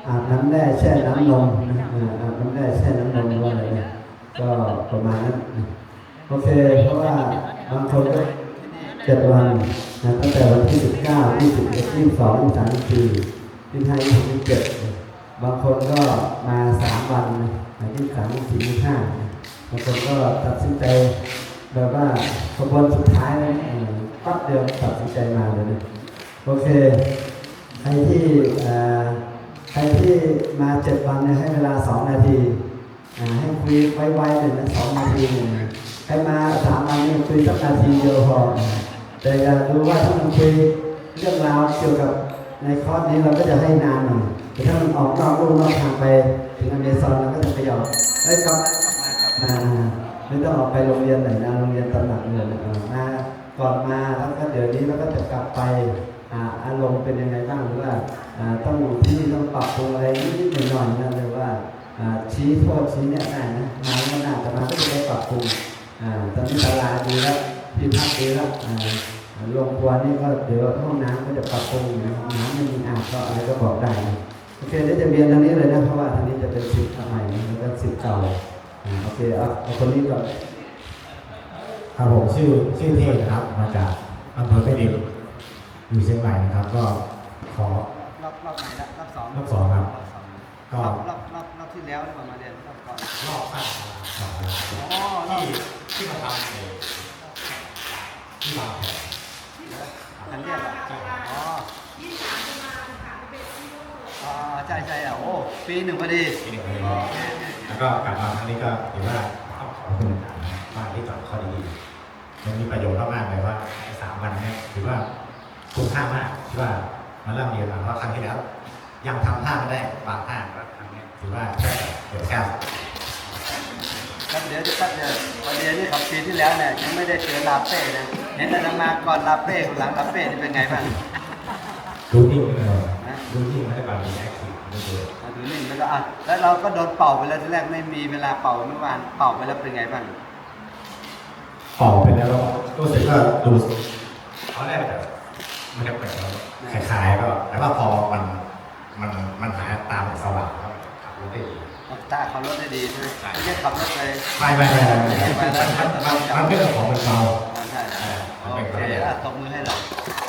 อาบน้ำแร่แช่น้ำนมนะอาบน้ำแร่แช่น้ำนมหรือว่าอะไรเนี่ยก็ประมาณนั้นโอเคเพราะว่าบางคนก็7 วันนะตั้งแต่วันที่19 21 22 23 24 25 26 27บางคนก็มา3 วันนะ23 24 25บางคนก็ตัดสินใจแบบว่าขบวนสุดท้ายปั๊บเดียวตัดสินใจมาเลยนะโอเคใครที่มา7 วันเนี่ยให้เวลา2 นาทีให้คุยไวๆเลยนะ2 นาทีใครมา3 วันเนี่ยคุยสักนาทีเดียวพอแต่อยากรู้ว่าถ้ามันคุยเรื่องราวเกี่ยวกับในคอร์สนี้เราก็จะให้นานหน่อยแต่ถ้ามันออกนอกลู่นอกทางไปถึงอเมซอนเราก็จะไปยอมกลับมาไม่ต้องออกไปโรงเรียนไหนนะโรงเรียนตำหนักเลยมาก่อนมาแล้วก็เดี๋ยวนี้เราก็จะกลับไปอารมณ์เป็นยังไงบ้างหรือว่าต้องที่นี่ต้องปรับปรุงอะไรนิดๆหน่อยๆนะหรือว่าชี้โทษชี้เนี่ยได้นะมาแล้วน่าจะมาก็จะได้ปรับปรุงตอนนี้ตลาดดีแล้วที่พักดีแล้วโรงครัวนี่ก็เดี๋ยวห้องน้ำก็จะปรับปรุงนะห้องน้ำไม่มีอาบก็อะไรก็บอกได้นะโอเคเดี๋ยวจะเรียนทางนี้เลยนะเพราะว่าทางนี้จะเป็นศิษย์ใหม่แล้วก็ศิษย์เก่าโอเคเอาคนนี้ก่อนครับผมชื่อเทพนะครับมาจากอำเภอแม่ริมอยู่เชียงใหม่นะครับก็ขอรอบไหนละรอบ2 รอบ 2ครับก็รอบที่แล้วที่ผมมาเรียนรอบก่อนรอบข้างอ๋อที่มาทำที่บางแผนอันเรียกอ่ะอ๋อใช่โอ้ปี 1พอดีแล้วก็กลับมาครั้งนี้ก็ถือว่าต้องขอบคุณบ้านที่สอนข้อดีมันมีประโยชน์มากเลยว่า3 วันนี้ถือว่าคุ้มค่ามากที่ว่ามาเริ่มเรียนมาเพราะครั้งที่แล้วยังทำท่าไม่ได้บางท่าก็ครั้งนี้ถือว่าเดี๋ยวแค่เดี๋ยววันเดียวนี่ของปีที่แล้วเนี่ยยังไม่ได้เจอลาเป้นะเห็นอาตมาก่อนลาเป้หลังลาเป้นี่เป็นไงบ้างรู้นิ่งเลยรู้นิ่งไม่ได้บางทีแอคทีฟไม่เลยดูนิ่งแล้วก็แล้วเราก็โดนเป่าไปแล้วทีแรกไม่มีเวลาเป่าเมื่อวานเป่าไปแล้วเป็นไงบ้างเป่าไปแล้วรู้สึกว่าดูเขาแรกแบบมันจะเปิดแล้วคล้ายๆก็แต่ว่าพอมันหาตามสว่างแล้วขับรถได้ดีตาขับรถได้ดีใช่ไหมไม่ใช่ขับรถไปไม่มันเป็นของมันเบาใช่โอเคตบมือให้เรา